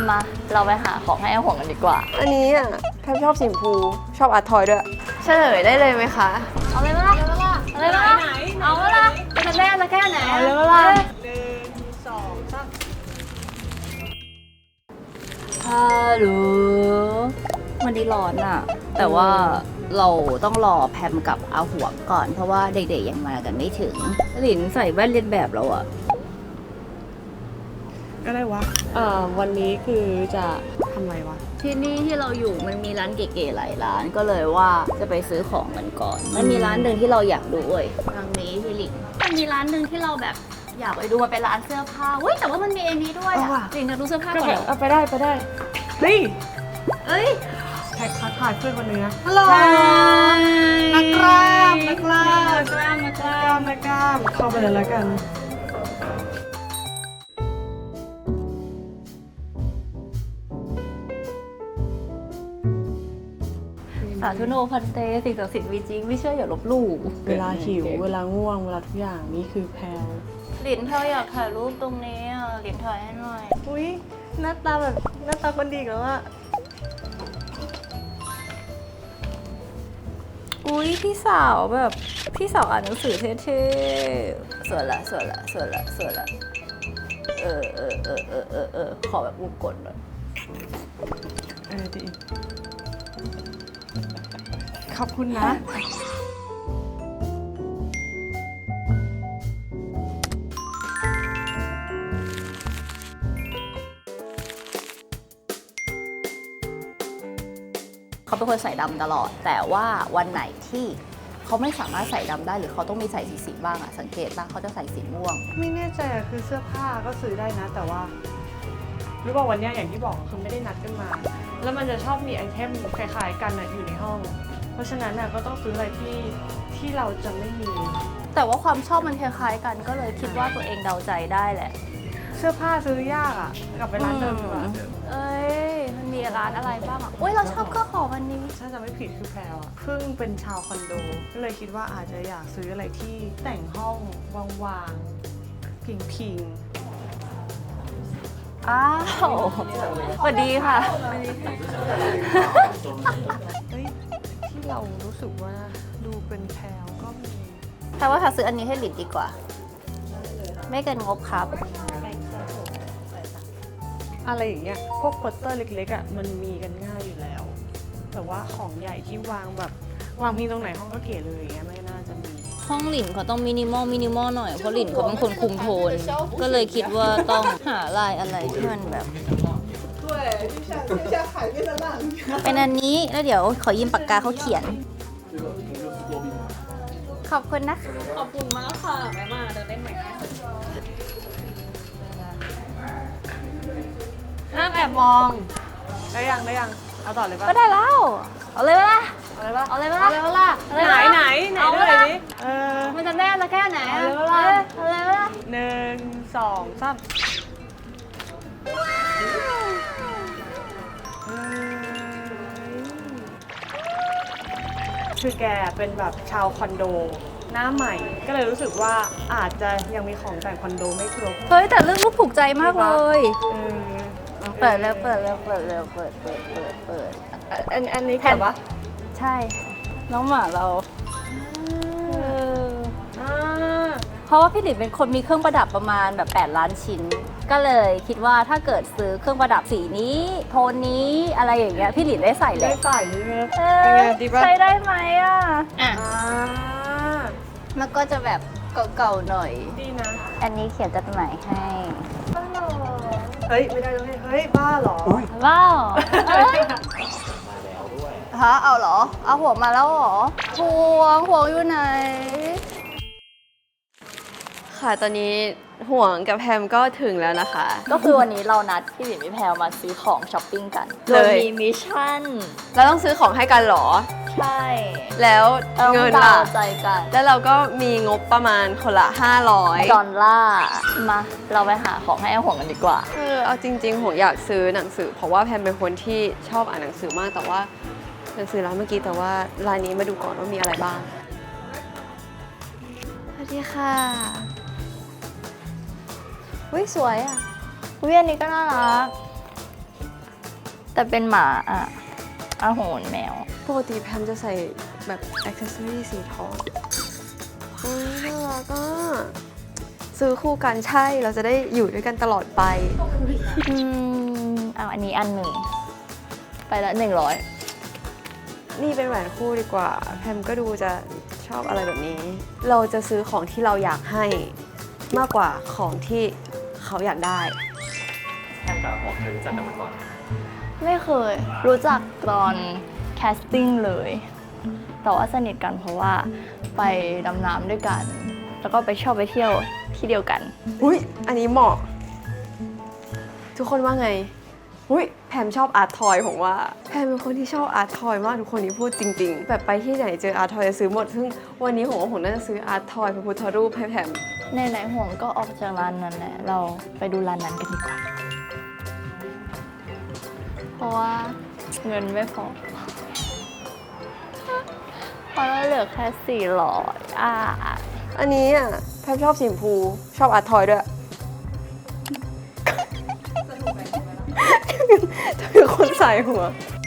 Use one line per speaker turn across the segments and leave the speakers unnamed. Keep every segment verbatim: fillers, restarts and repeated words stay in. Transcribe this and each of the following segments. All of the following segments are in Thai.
มาเราไปหาของให้อาห่วงกันดีกว่า
อันนี้อ่ะแพมชอบสีชมพูชอบอาร์ตทอยด้วยเฉลยได้เลยไหมคะ
เอาเลยมั้ยล่ะเอาเลยมั้ยล่ะเอาเลยล่ะจะได้จะแค่ไหน
เอาเลยมั้ยล่ะ
หนึ่งสองสาม
ฮัลโหลวันนี้ร้อนอ่ะแต่ว่าเราต้องรอแพมกับอาห่วงก่อนเพราะว่าเด็กๆยังมากันไม่ถึงหลินใส่แว่นเลียนแบบเราอ่ะ
อะไรวะเอ่อวันนี้คือจะทำอะไรวะ
ที่นี่ที่เราอยู่มันมีร้านเก๋ๆหลายร้านก็เลยว่าจะไปซื้อของกันก่อนมันมีร้านหนึ่งที่เราอยากดูเว้ยทางนี้พี่หลินมันมีร้านหนึ่งที่เราแบบอยากไปดูมันเป็นร้านเสื้อผ้าเว้ยแต่ว่ามันมีอันนี้ด้วยอ่ะหลินจะดูเสื้อผ้าก่อนเหรอ
เอาไปได้ไปได้เฮ้ย
เอ้ย
แท็กทักทายเพื่อนคนนึงนะฮัลโหลนักกล้ามนักกล้าม
นักกล้ามนักกล้าม
นักกล้ามเข้าไปเลยแล้วกัน
สาธุโนพันเตสิ่งศักดิ์สิทธิ์มีจริงไม่เชื่ออย่าลบหลู่
เวลาหิวเวลาง่วงเวลาทุกอย่างนี่คือแพลว
หลินเธออยากถ่ายรูปตรงนี้อ่ะหลินถ่ายให้หน่อย
อุ้ยหน้าตาแบบหน้าตาคนดีกันว่า
อุ้ยพี่สาวแบบพี่สาวอ่านหนังสือเท่ๆสวยละสวยละสวยละสวยละเออเออเออเออเออเออขอแบบวงกลมหน่อย
เออดีขอบคุณนะ
เขาเป็นคนใส่ดำตลอดแต่ว่าวันไหนที่เขาไม่สามารถใส่ดำได้หรือเขาต้องมีใส่สีสีบ้างอะสังเกตบ้างเขาจะใส่สีม่วง
ไม่แน่ใจอะคือเสื้อผ้าก็ซื้อได้นะแต่ว่าหรือว่าวันนี้อย่างที่บอกคือไม่ได้นัดกันมาแล้วมันจะชอบมีไอเทมคล้ายๆกันอะอยู่ในห้องเพราะฉะนั้นน่ะก็ต้องซื้ออะไรที่ที่เราจะไม่มี
แต่ว่าความชอบมันคล้ายๆกันก็เลยคิดว่าตัวเองเดาใจได้แหละ
เสื้อผ้าซื้อยากอ่ะกลับไปร้านเดิมดีกว่า
เอ้ยมันมีร้านอะไรบ้างอ่ะอุ้ยเราชอบเครื่องหอมวันนี้
ถ้าจะไม่ผิดคือแพรวอ่ะเพิ่งเป็นชาวคอนโดก็เลยคิดว่าอาจจะอยากซื้ออะไรที่แต่งห้องวางๆพิง
ๆอ้าวสวัสดีค่ะ
เฮ้ยที่เรารู้สึกว่าดูเป็นแพรวก็มี
แต่ว่าถ้าซื้ออันนี้ให้หลินดีกว่าไม่เกินงบครับ
อะไรอย่างเงี้ยพวกโปสเตอร์เล็กๆอ่ะมันมีกันง่ายอยู่แล้วแต่ว่าของใหญ่ที่วางแบบวางพิงตรงไหนห้องก็เก๋เลยอย่างเงี้ยไม่น่าจะมี
ห้องหลินเขาต้องมินิมอลมินิมอลหน่อยเพราะหลินเขาเป็นคนคุมโทนก็เลยคิดว่าต้องหาลายอะไรที่มันแบบเป็นอันนี้แล้วเดี๋ยวขอยืมปากกาเขาเขียนขอบคุณนะคะ
ขอบคุณมากค่ะแม่มาเดินเล่นใหม่ห้ามแอบมองได้ยังได้ยังเอาต่อเลยป่ะ
ก็ได้แล้วเอาเลยป่ะ
เอาเลยป่ะ
เอาเลยป่ะเอาเลยป่ะ
ไหนไหนไหนด้วยดิเออ
มันจะแน่จะแค่ไหนเอาเลยป่ะเอาเลยป่ะ
หนึ่งสองสามคือแกเป็นแบบชาวคอนโดหน้าใหม่ก็เลยรู้สึกว่าอาจจะยังมีของแต่งคอนโดไม่ครบ
เฮ้ยแต่เรื่องรูปถูกใจมากเลย
เปิด
แล้วเปิดแล้วเปิดแล้วเปิดเปิดเปิดเปิด
อันอันนี้แผ่นปะ
ใช่น้องหมาเราเพราะว่าพี่หลินเป็นคนมีเครื่องประดับประมาณแบบแปดล้านชิ้นก็เลยคิดว่าถ้าเกิดซื้อเครื่องประดับสีนี้โทนนี้อะไรอย่างเงี้ยพี่หลินได้ใส่เลย
ได้ใส่ใช่ไหม
ใช้ได้ไหมอ่ะอ่ะแล้วก็จะแบบเก่าๆหน่อย
ดีนะ
อันนี้เขียนจดหมายให้
เฮ้ยไม่ได้เลยเฮ้ยบ้าเหรอ
บ้าฮะเอาเหรอเอาหัวมาแล้วเหรอห่วงห่วงอยู่ไหน
ค่ะตอนนี้ห่วงกับแพมก็ถึงแล้วนะคะ
ก็คือวันนี้เรานัดพี่หลินพี่แพรมาซื้อของช้อปปิ้งกันโดยมีมิชชั่น
เราต้องซื้อของให้กันหรอ
ใช่
แล้วเงินล่ะ
ใจกัน
แล้วเราก็มีงบประมาณคนละห้าร้อย
ดอลลาร์มาเราไปหาของให้อาห่วงกันดีกว่า
เออเอาจริงๆห่วงอยากซื้อหนังสือเพราะว่าแพมเป็นคนที่ชอบอ่านหนังสือมากแต่ว่าหนังสือร้านเมื่อกี้แต่ว่าร้านนี้มาดูก่อนว่ามีอะไรบ้าง
สวัสดีค่ะอุ้ยสวยอ่ะอุ้ยอันนี้ก็น่ารักแต่เป็นหมาอ่ะอาโหนแมว
ปกติแพมจะใส่แบบอ็อกเซสซอรี่สีทองโอ้ยน่ารักอ่ะซื้อคู่กันใช่เราจะได้อยู่ด้วยกันตลอดไป
อืมเอาอันนี้อันหนึ่ง ไปละหนึ่งร้อย
นี่เป็นแหวนคู่ดีกว่า แพมก็ดูจะชอบอะไรแบบนี้ เราจะซื้อของที่เราอยากให้มากกว่าของที่เขาอยากได้
แค่กับหอมเคยรู้จักกันมาก่อน
ไม่เคย รู้จักตอนแคสติ้งเลย แต่ว่าสนิทกันเพราะว่าไปดำน้ำด้วยกัน แล้วก็ไปชอบไปเที่ยวที่เดียวกัน
อุ้ยอันนี้เหมาะ ทุกคนว่าไง อุ้ยแพมชอบอาร์ตทอยผมว่า แพมเป็นคนที่ชอบอาร์ตทอยมากทุกคนที่พูดจริงๆ แบบไปที่ไหนเจออาร์ตทอยจะซื้อหมด ซึ่งวันนี้ผมว่าผมน่าจะซื้ออาร์ตทอยพระพุทธรูปให้แพม
ในไหนๆห่วงก็ออกจากร้านนั้นแหละ เราไปดูร้านนั้นกันดีกว่า เพราะว่าเงินไม่พอ เพราะเราเหลือแค่สี่ร้อยอ่ะ
อันนี้อ่ะแพมชอบสีชมพูชอบอาร์ตทอยด้วยจะเป็นคนใส่หัว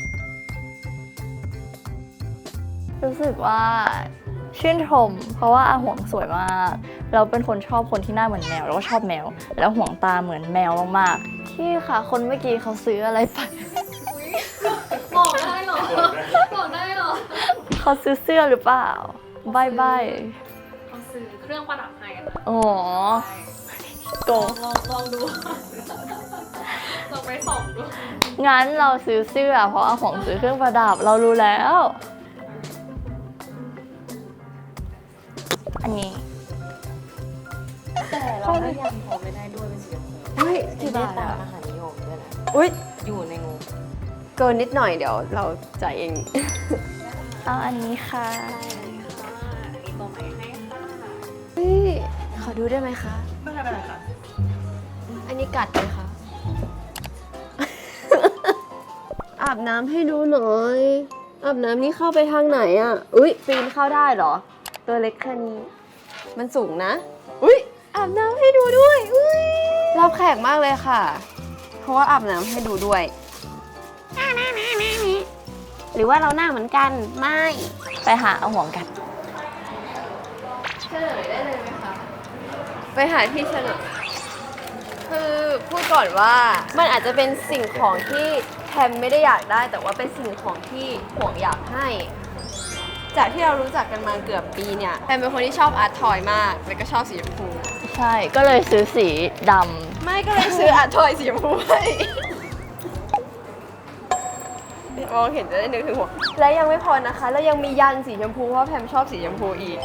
รู้สึกว่าชื่นชม เพราะว่าอาห่วงสวยมาก เราเป็นคนชอบคนที่หน้าเหมือนแมว แล้วก็ชอบแมว แล้วห่วงตาเหมือนแมวมากๆที่ค่ะ คนเมื่อกี้เขาซื้ออะไรไป
บอกได้เหรอ บอกได้เหรอ
เขาซื้อเสื้อหรือเปล่าบายบาย
เขาซื้อเครื่องประดับให้นะ
อ๋อโกง
ลองลองดู ลองไปส่องดู
งั้นเราซื้อเสื้อเพราะอาห่วงซื้อเครื่องประดับเรารู้แล้ว อันนี้
แต่เราก็ยังพอไม่ได้ด้วยเป็นสีชมพู
เฮ้ยกี่บาท
ตา
อ่ะ
มอาหารนิยมด้วยนะ
อุ้ย
อยู่ในงบ
เกินนิดหน่อยเดี๋ยวเราจ่ายเอง
เอาอันนี้ค่ะ
มีตัวใหม่ให้ค่ะ
เฮ้ยขอดูได้ไหมคะ
ไม่ใช่เป็นไรค่ะ
อันนี้กัดไหมคะ อาบน้ำให้ดูหน่อย อาบน้ำนี่เข้าไปทางไหนอ่ะ อุ้ยปีนเข้าได้เหรอ ตัวเล็กแค่นี้ มันสูงนะ อุ้ยอาบน้ำให้ดูด้วย อุ้ยรับแขกมากเลยค่ะ เพราะว่าอาบน้ำให้ดูด้วย หรือว่าเราหน้าเหมือนกัน ไม่
ไปหาเอาห่วงกัน
เฉลยได้เลยไหมคะ ไปหาที่เฉลยคือพูดก่อนว่ามันอาจจะเป็นสิ่งของที่แพมไม่ได้อยากได้ แต่ว่าเป็นสิ่งของที่ห่วงอยากให้ จากที่เรารู้จักกันมาเกือบปีเนี่ยแพมเป็นคนที่ชอบอาร์ตทอยมากแล้วก็ชอบสีชมพู
ใช่ ก็เลยซื้อสีด
ไม่ก็เลยซื้ออาร์ตทอยสีชมพูให้มองเห็นจะได้นึกถึงหัวและยังไม่พอนะคะ แล้วยังมียันสีชมพูเพราะแพมชอบสีชมพูอีก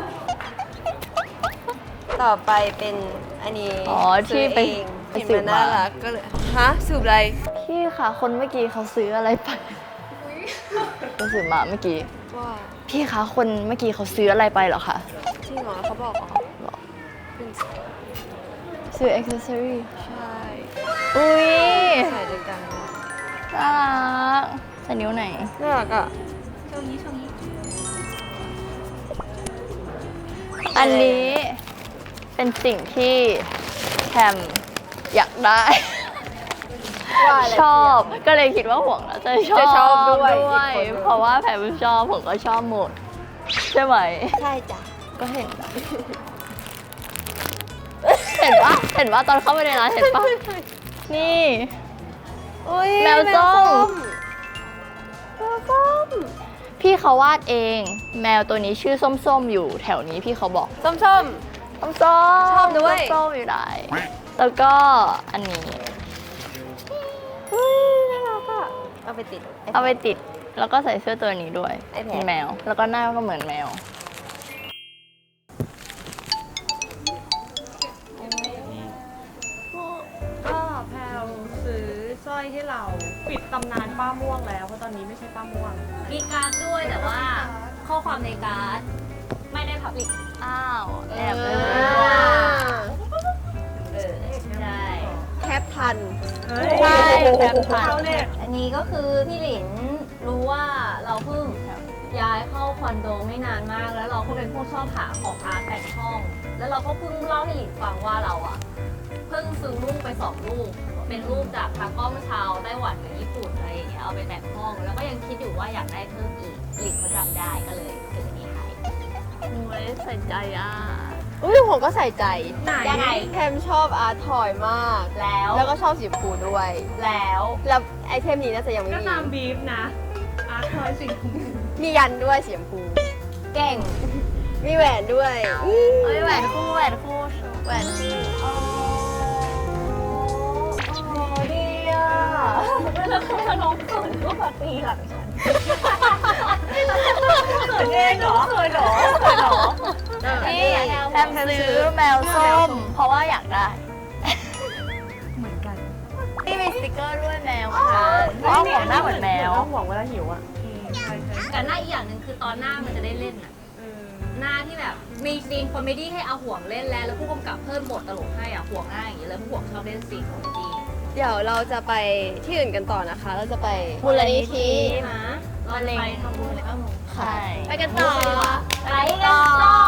ต่อไปเป็นอันนี้
ำอ๋อ ที่ไป
ซื้อเอง
สื
เห็น
บ
มัน
มา
น่ารักก็เลยฮะสืบอะไร
พี่ค่ะ คนเมื่อกี้เขาซื้ออะไรไปไปสืบมาเมื่อกี้
ว่า
พี่คะ คนเมื่อกี้เขาซื้ออะไรไปเหรอคะ
จริงเหรอเขาบอกเหรอเป็น
ซื้ออ็อกเซสซอรี่
ใช่
อุ้ย
ใส่ด้วยกัน
น่ารักใส่นิ้วไหน
น่ารักอ่ะ
ช่วงนี้ช่วงนี้
อันนี้เป็นสิ่งที่แคมอยากได้
ว่าอะไร
ชอบก็เลยคิดว่าห่วงแล้วจะชอบ
จะชอบด้วย
ด้วย
อีกคนหนึ่ง
เพราะว่าแพมชอบผมก็ชอบหมด ใช่ไหม
ใช่จ้ะ
ก็เห็นนะเห็นปะเห็นปะตอนเข้าไปในร้านเห็นปะนี่
อุ้ย
แมวส้ม
แมวส้ม
พี่เขาวาดเอง แมวตัวนี้ชื่อส้มๆอยู่แถวนี้พี่เขาบอก
ส้มส้ม
ส้มส้ม
ชอบด้วย
ส้มๆอยู่ไหนแล้วก็อันนี้
อุ้ยน่ารักอ่ะเอาไปติด
เอาไปติดแล้วก็ใส่เสื้อตัวนี้ด้วย
ไอ้แผล
เป็นแมว แล้วก็หน้าก็เหมือนแมว
ก็แพลวซื้อสร้อยให้เราปิดตำนานป้าม่วงแล้วเพราะตอนนี้ไม่ใช่ป้าม่วง
มีการ์ดด้วยแต่ว่าข้อความในการ์ดไม่ได้พับลิก
อ้าวแอบเล
เอย อ
เออ ใช่
แคปทัน
ใช่แคปทัน
เข้าเน็ต
อันนี้ก็คือพี่หลินรู้ว่าเราเพิ่งย้ายเข้าคอนโดไม่นานมาก แล้วเราก็เป็นผู้ชอบหาของอาร์ตแต่งห้อง แล้วเราก็เพิ่งเล่าให้หลินฟังว่าเราอะเพิ่งซื้อลูกไปสองลูก เเป็นรูปจากตากล้องชาวไต้หวันกับญี่ปุ่นอะไรอย่างเงี้ยเอาไปแต่งห้อง แล้วก็ยังคิดอยู่ว่าอยากได้เพิ่มอีกหลิงเขาจำได้ก็เลยซื้ออันนี้ให้
โอ้ยใส่ใจอ่ะ
อุ้ยผมก็ใส่ใจ
ยังไง
แทมชอบอาร์ตทอยมาก
แล้ว
แล้วก็ชอบสีชมพูด้วย
แล้ว
แล้วไอเทมนี้น่าจะยังไม่
ก็
มี
ตามบีฟนะ อาร์ตทอยสิ่งของ
มียันด้วยสีชมพู
เก่ง
มีแหวนด้วย
เอ้ยแหวนคู่แหวนคู่แหวนคู่โอ้โอ้ดีอ่ะแล้วคือน้องเขินก็มาตีหลังฉันเขินเองเหรอเขินเหรอเขินเหรอนี่แทมซื้อแมวส้ม เพราะว่าอยากได้
เหมือนกัน
นี่มีสติกเกอร์ด้วยแมวค่ะเพราะห่วงหน้าเหมือนแมว
ต้องห่วงเวลาหิวอ่ะใช่ใช่
แต่หน้าอีกอย่างหนึ่งคือตอนหน้ามันจะได้เล่นอะ
เออ
หน้าที่แบบมีซีนคอมเมดี้ให้เอาห่วงเล่นแล้วแล้วผู้กำกับเพิ่มบทตลกให้อ่ะห่วงหน้าอย่างนี้เลยผู้ห่วงชอบเล่นซีนคอมเมดี้
เดี๋ยวเราจะไปที่อื่นกันต่อนะคะ เราจะไปมูลนิธิ
นะเราจะไปทำบุญเลยก็มึง
ใช่
ไปกันต่อไปกันต่อ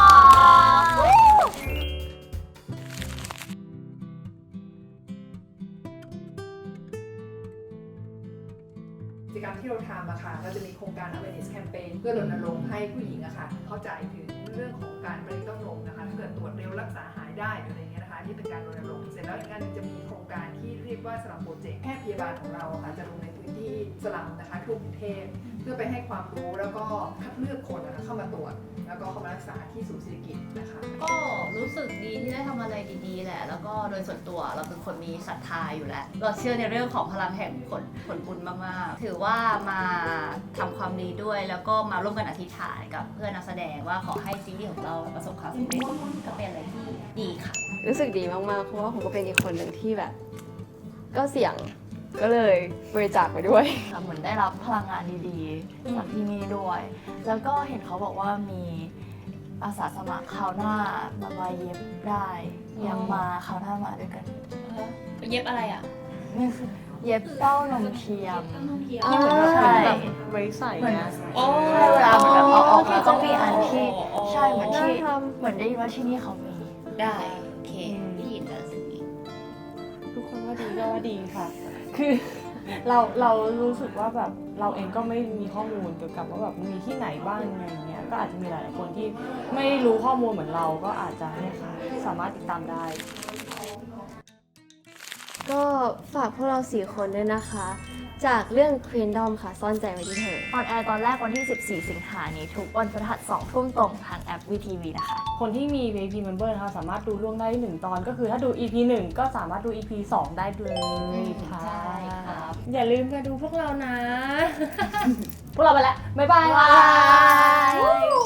กิจกรรมที่เราทำอะค่ะเราจะมีโครงการ awareness campaign เพื่อรณรงค์ให้ผู้หญิงอะค่ะเข้าใจถึงเรื่องของการบริโภคนมนะคะถ้าเกิดตรวจเร็วรักษาหายได้หรืออะไรเงี้ยนะคะนี่เป็นการรณรงค์เสร็จแล้วอีกอันหนึงจะมีโครงการที่เรียกว่าสลัมโปรเจกต์แพทย์พยาบาลของเราอะค่ะจะลงในพื้นที่สลัมนะคะทั่วกรุงเทพเพื่อไปให้ความรู้แล้วก็คัดเลือกคนนะคะเข้ามาตรวจ แล้วก็เข้ามารักษาที่ศูนย์เศรษฐกิจนะคะ
ก็รู้สึกดีที่ได้ทำอะไรดีๆแหละ แล้วก็โดยส่วนตัวเราเป็นคนมีศรัทธาอยู่แล้ว เราเชื่อในเรื่องของพลังแห่งผลผลบุญมากๆ ถือว่ามาทำความดีด้วย แล้วก็มาร่วมกันอธิษฐานกับเพื่อนนักแสดงว่าขอให้ซีรีส์ของเราประสบความสำเร็จก็เป็นอะไรที่ดีค่ะ
รู้สึกดีมากๆ เพราะว่าผมก็เป็นอีกคนหนึ่งที่แบบ ก็เสี่ยง ก็เลยบริจาคไปด้วย
ค่ะเหมือนได้รับพลังงานดีๆจากที่นี่ด้วย แล้วก็เห็นเขาบอกว่ามีอาสาสมัครคราวหน้ามามาเย็บได้ยังมาคราวหน้ามาด้วยกัน
เย็บอะไรอ่ะ
นี่คือเย็บเต้านมเทียม
ที่เหมือนแบบ
ใช่
แบบไว้ใส่นะ
โอ้
ใช่เวลาเหมือนแบบเอาออกมาก็มีอันที่
อ๋อ
ใช่เหมือนที่
น่าทำ
เหมือนได้ยินว่าที่นี่เขามี
ได้โอเคได้ยินแล้วสิ่งนี้
ทุกคนว่าดีก็ว่าดีค่ะ คือเราเรารู้สึกว่าแบบเราเองก็ไม่มีข้อมูลเกี่ยวกับว่าแบบมีที่ไหนบ้างอะไรอย่างเงี้ย ก็อาจจะมีหลายๆคนที่ไม่รู้ข้อมูลเหมือนเราก็อาจจะเนี่ยค่ะสามารถติดตามได้
ก็ฝากพวกเราสี่คนด้วยนะคะ จากเรื่อง Queendom ค่ะ ซ่อนใจไว้ที่เธอ
ออนแอร์ตอนแรกวันที่ สิบสี่ สิงหานี้ทุกวันพฤหัสสองทุ่มตรงทางแอป วี ที วี นะคะ
คนที่มี วี ไอ พี Member นะคะสามารถดูล่วงได้หนึ่งตอน ก็คือถ้าดู อี พี หนึ่งก็สามารถดู อี พี สองได้เลยค่ะ
ใช่ครับ
อย่าลืมมาดูพวกเรานะ พวกเราไปแล้ว บ๊ายบาย
บาย